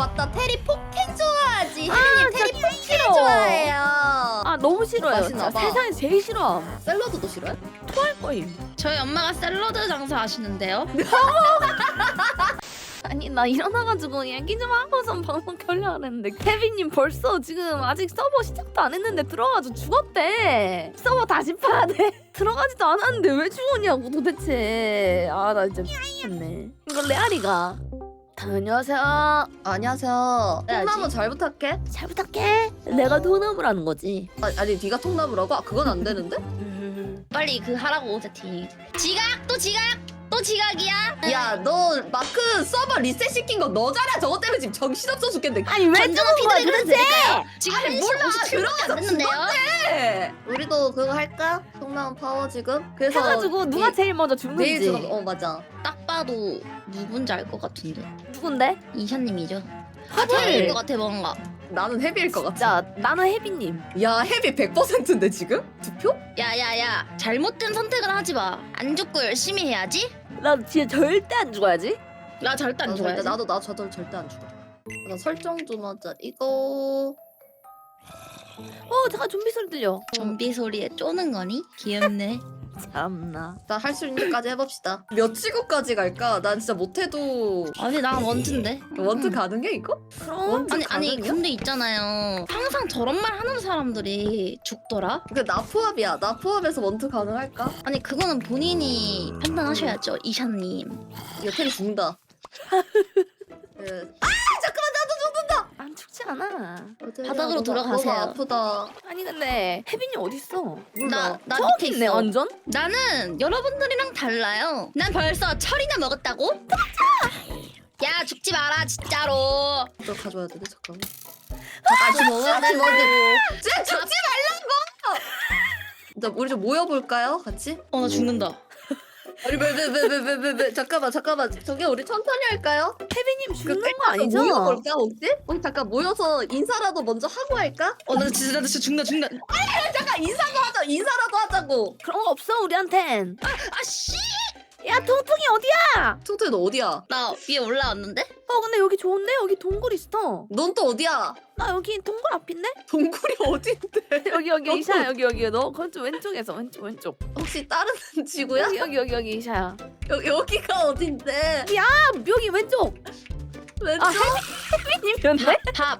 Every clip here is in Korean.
맞다. 테리 포켓 좋아하지. 혜린님 테리 포켓 싫어. 좋아해요. 아 너무 싫어요. 맛있나 진짜 봐. 세상에서 제일 싫어. 샐러드도 싫어해? 토할 거임. 저희 엄마가 샐러드 장사 하시는데요. 아니 나 일어나가지고 얘기 좀 하고선 방송 켜려 했는데 케빈님 벌써 지금 아직 서버 시작도 안 했는데 들어가서 죽었대. 서버 다시 파야 돼. 들어가지도 않았는데 왜 죽었냐고 도대체. 아 나 진짜 미치겠네. 이거 레알이가. 안녕하세요. 안녕하세요. 해야지. 통나무 잘 부탁해. 잘 부탁해. 내가 도나무라는 거지. 아니 네가 통나무라고? 아 그건 안 되는데? 빨리 그 하라고 세팅. 지각 또 지각 또 지각이야. 야 너 마크 서버 리셋 시킨 거 너잖아. 저것 때문에 지금 정신없어 죽겠는데. 아니 왜 건전한 죽은 거야 피드백을 도대체? 드릴까요? 지금 아니, 1시 몰라. 57분밖에 안 됐는데요. 우리도 그거 할까? 통나무 파워 지금? 그래서 해가지고 누가 제일 먼저 내일 죽는지. 들어. 맞아. 딱 봐도 누군지 알 것 같은데. 누군데? 이샤님이죠. 하필. 저일 것 같아 뭔가. 나는 헤비일 것 같아. 자 나는 혜빈님. 야 헤비 100%인데 지금? 투표? 야야야 잘못된 선택을 하지 마. 안 죽고 열심히 해야지. 나 진짜 절대 안 죽어야지. 나 절대 안 죽어야지. 나도 저도 절대 안 죽어. 나 설정 좀 하자. 이거 잠깐 좀비 소리 들려. 좀비 소리에 쪼는 거니? 귀엽네. 참나. 나 할 수 있는 데까지 해봅시다. 몇 지구까지 갈까? 난 진짜 못해도 아니 난 원트인데. 원트 가능해 이거? 그럼 원트 아니 가능해요? 근데 있잖아요. 항상 저런 말 하는 사람들이 죽더라. 나 포함이야. 나 포함해서 원트 가능할까? 아니 그거는 본인이 판단하셔야죠, 이샤님. 이거 테리 죽는다. 안 죽지 않아. 바닥으로 들어가세요. 너무 아프다. 아니 근데 혜빈이 어딨어? 몰라. 나 저기 밑에 있네 있어. 완전? 나는 여러분들이랑 달라요. 난 벌써 철이나 먹었다고? 야 죽지 마라 진짜로. 너 가져와야 되네. 잠깐만. 같이 먹어야 같이 된다고. 진짜 죽지 말라고. 자, 우리 좀 모여볼까요? 같이? 나 죽는다. 아니 왜 잠깐만 저기 우리 천천히 할까요? 혜빈님 죽는 거 끝까지 아니죠? 모여볼까 혹시? 우리 잠깐 모여서 인사라도 먼저 하고 할까? 나 진짜 죽는다. 잠깐 인사라도 하자고. 그런 거 없어 우리한텐. 아씨. 야 통통이 어디야? 퉁퉁이 너 어디야? 나 위에 올라왔는데? 근데 여기 좋은데? 여기 동굴 있어. 넌 또 어디야? 나 여기 동굴 앞인데? 동굴이 어딘데? 여기 이샤야 여기 너 그쪽 왼쪽에서 왼쪽 혹시 다른 지구야? 여기 이샤야. 여기가 어딘데? 아 여기 왼쪽. 왼쪽? 아 혜빈님이었네? 밥.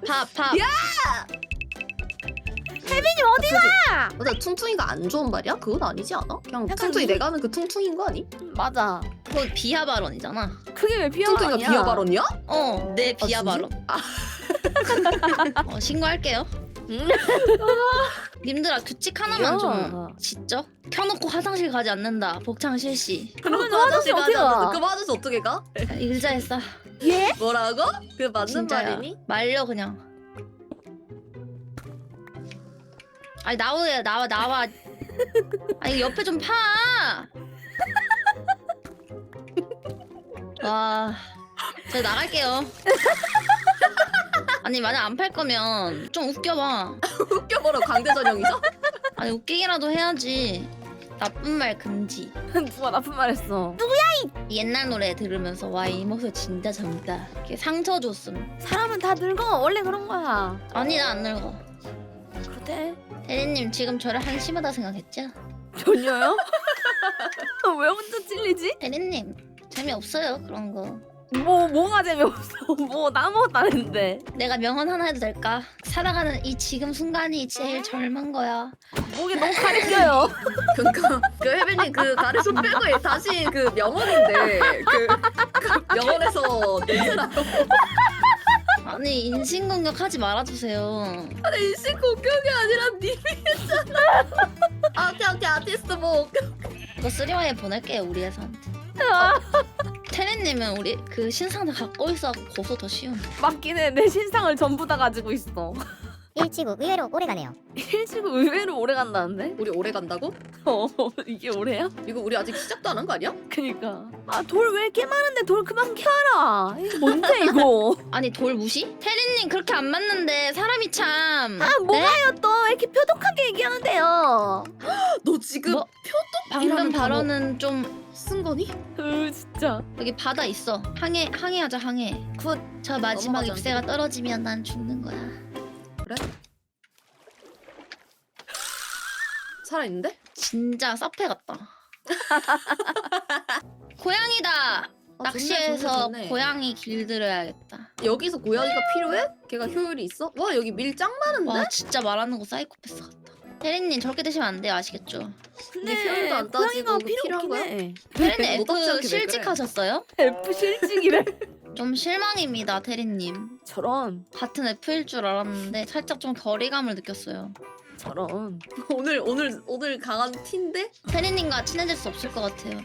혜빈님 어디가? 맞아 퉁퉁이가 안 좋은 말이야? 그건 아니지 않아? 그냥 약간 퉁퉁이 누구- 내가 하는 그 퉁퉁이인 거 아니? 맞아. 그건 비하 발언이잖아. 그게 왜 비하 퉁퉁이가 아니야? 비하 발언이야? 내 비하 진짜? 발언. 신고할게요. 음. 님들아 규칙 하나만 야. 좀 짓죠? 켜놓고 화장실 가지 않는다. 복창 실시. 그러면 화장실 어떻게 가? 그럼 화장실 어떻게 가? 의자에 싸. 예? 뭐라고? 그 맞는 진짜야. 말이니? 말려 그냥. 아니 나와. 아니 옆에 좀 파. 와, 저 나갈게요. 아니 만약 안 팔 거면 좀 웃겨봐. 웃겨버려 강대 전형이죠? 아니 웃기기라도 해야지. 나쁜 말 금지. 누가 나쁜 말 했어? 옛날 노래 들으면서 와 이 목소리 진짜 젊다. 이렇게 상처 줬음. 사람은 다 늙어. 원래 그런 거야. 아니 나 안 늙어. 그래? 대리님 지금 저를 한심하다 생각했죠? 전혀요? 왜 혼자 찔리지? 대리님 재미없어요 그런 거. 뭐가 재미없어. 뭐 나 아무것도 안 했는데. 내가 명언 하나 해도 될까? 살아가는 이 지금 순간이 제일 젊은 거야. 목이 너무 가리켜요. 그러니까 그 혜빈이 그 가르쳐 빼고 다시 그 명언인데 그 명언에서 내세라고. 아니 인신공격하지 말아주세요. 아니 인식 공격이 아니라 님이 했잖아. 오케이 아티스트 뭐 이거 쓰리와이에 보낼게요 우리 회사한테. 테리님은 우리 그 신상 다 갖고 있어 고소 더 쉬운. 맞긴 해. 내 신상을 전부 다 가지고 있어. 일치구 의외로 오래가네요. 일치고 의외로 오래 간다는데? 우리 오래 간다고? 이게 오래야? 이거 우리 아직 시작도 안 한 거 아니야? 그니까. 아, 돌 왜 이렇게 많은데 돌 그만 캐라. 이게 뭔데 이거? 아니 돌 무시? 테리님 그렇게 안 맞는데 사람이 참. 아, 뭐가요 또? 왜 이렇게 표독하게 얘기하는데요? 너 지금 뭐? 방금 이라는 발언은 좀 쓴 거니? 진짜. 여기 바다 있어. 항해하자 항해. 굿. 저 마지막 넘어가지 잎새가 떨어지면 난 죽는 거야. 그래? 살아있는데? 진짜 사페 같다. 고양이다. 아, 낚시해서 좋네, 좋네. 고양이 길들여야겠다. 여기서 고양이가 필요해? 걔가 효율이 있어? 와 여기 밀 짱 많은데? 와 진짜 말하는 거 사이코패스 같다. 테리님 저렇게 드시면 안 돼요. 아시겠죠? 근데 표현도 안 따지고 고양이가 그 필요 필요한 없긴 거야? 해. 테리님 노답지 않게 F 왜 그래? 실직하셨어요? F 실직이래. 좀 실망입니다, 테리님. 저런 같은 F일 줄 알았는데 살짝 좀 거리감을 느꼈어요. 저런. 오늘 강한 티인데? 테리님과 친해질 수 없을 것 같아요.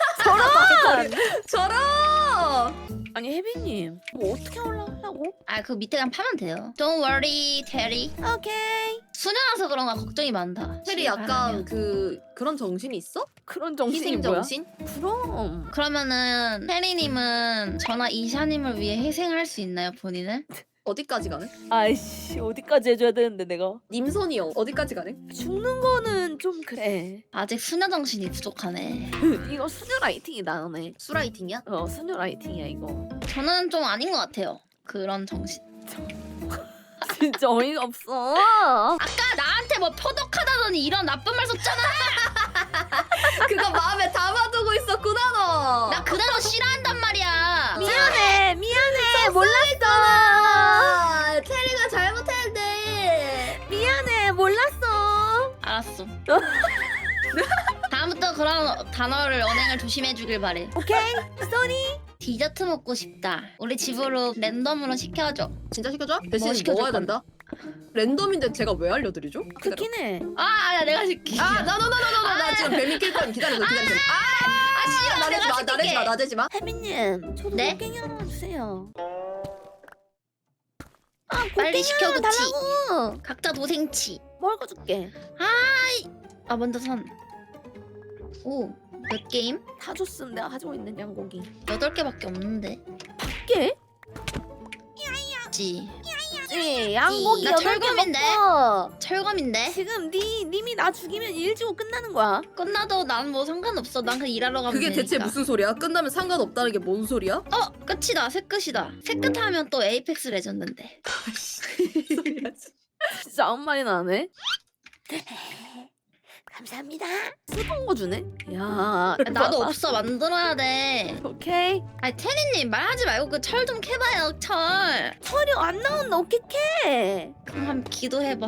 저런! 아니 혜빈님 뭐 어떻게 올라가려고? 아, 그 밑에 그냥 파면 돼요. Don't worry, 테리. 오케이. 수녀라서 그런가 걱정이 많다. 테리 약간 바라면. 그런 정신이 있어? 그런 정신이 희생 뭐야? 정신? 그럼 그러면은 테리님은 저나 이샤님을 위해 희생할 수 있나요, 본인을? 어디까지 가네? 아이씨 어디까지 해줘야 되는데 내가 님선이 어디까지 가네? 죽는 거는 좀 그래. 아직 수녀 정신이 부족하네. 이거 수녀 라이팅이 나오네. 수라이팅이야? 수녀 라이팅이야 이거. 저는 좀 아닌 것 같아요. 그런 정신. 진짜 어이가 없어. 아까 나한테 뭐 표독하다더니 이런 나쁜 말 썼잖아. 그거 마음에 담아두고 있었구나 너! 나 그 단어 싫어한단 말이야. 미안해 몰랐어. 아, 테리가 잘못했는데 미안해 몰랐어. 알았어. 다음부터 그런 단어를 언행을 조심해주길 바래. 오케이 쏘니. 디저트 먹고 싶다. 우리 집으로 랜덤으로 시켜줘. 진짜 시켜줘? 대신 시켜줄 먹어야 건데. 된다? 랜덤인데 제가 왜 알려드리죠? 그긴 해. 아, 내가 시킬게. 나 지금 뱀이 낄 거야. 기다려. 싫어. 나대지 내가 마. 나대지 시킬게. 마. 나대지 마. 혜빈님 저도 네? 곡괭이 하나만 주세요. 아 빨리 곡괭이 시켜, 하나 그치? 달라고. 각자 도생치. 먹을 거 줄게. 아, 먼저 선. 오, 몇 게임? 다 줬음 내가 가지고 있는 양고기. 8개밖에 없는데. 깨? 지. 네, 양고기 나 8개 철검인데? 먹고 철검인데? 지금 님이 나 죽이면 일 지고 끝나는 거야. 끝나도 난 뭐 상관없어. 난 그냥 일하러 가면 그게 되니까. 대체 무슨 소리야? 끝나면 상관없다는 게 뭔 소리야? 끝이다. 새 끝이다. 새 끝 하면 또 에이펙스 레전드인데. 진짜 아무 말이나 안 해. 감사합니다. 쓰던 거 주네. 야, 나도 없어. 만들어야 돼. 오케이. 아니 테리님 말하지 말고 그 철 좀 캐봐요. 철. 철이 안 나온다. 어떡해. 그럼 한번 기도해봐.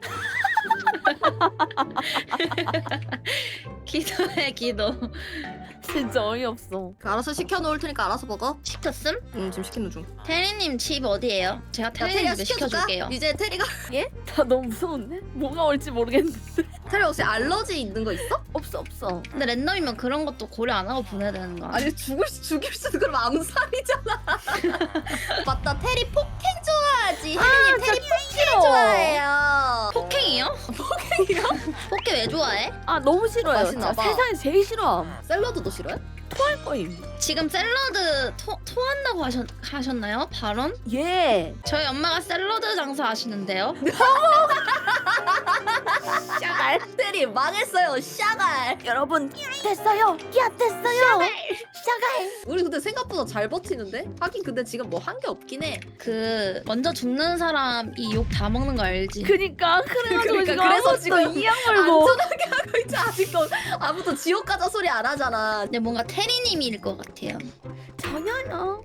기도해 기도. 진짜 어이없어. 알아서 시켜놓을 테니까 알아서 먹어. 시켰음? 지금 시키는 중. 테리님 집 어디예요? 제가 테리님 집에 시켜줄게요. 이제 테리가 예? 나 너무 무서운데? 뭐가 올지 모르겠는데. 테리 혹시 알러지 있는 거 있어? 없어. 근데 랜덤이면 그런 것도 고려 안 하고 보내야 되는 거 아니야? 아니 죽일 수도 그럼 암살이잖아. 맞다. 테리 폭행 좋아하지. 혜린님 테리 폭행 좋아해요. 폭행이요? 폭행 왜 좋아해? 아 너무 싫어요. 맛있나 진짜 봐. 세상에 제일 싫어. 샐러드도 싫어해? 토할 거임. 지금 샐러드 토한다고 하셨나요? 발언? 예. 저희 엄마가 샐러드 장사 하시는데요? 샤갈. 테리 망했어요. 샤갈. 여러분 됐어요. 야 됐어요. 샤갈. 우리 근데 생각보다 잘 버티는데? 하긴 근데 지금 뭐 한 게 없긴 해. 그 먼저 죽는 사람이 욕 다 먹는 거 알지? 그니까 그래가지고 그러니까 지금 그래서 아무것도 지금 이양 물고. 안전하게 하고 있지. 아직도 아무도 지옥 가자 소리 안 하잖아. 근데 뭔가 테리님일 것 같아요. 전혀요.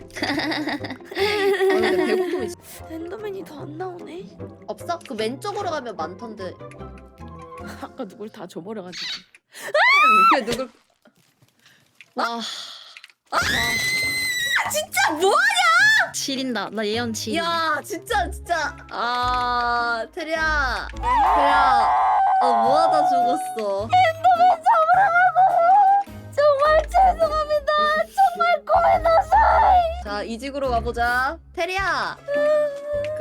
근데 배고픔이 엔더맨이 더 안 나오네. 없어? 그 왼쪽으로 가면 많던데. 아까 누굴 다 줘버려가지고. 그게 누굴? 와, 진짜 뭐? 지린다. 나 예언 지린. 야 진짜. 아 테리야. 뭐하다 죽었어. 정말 죄송합니다. 정말 고민하세요. 자 이직으로 가보자. 테리야.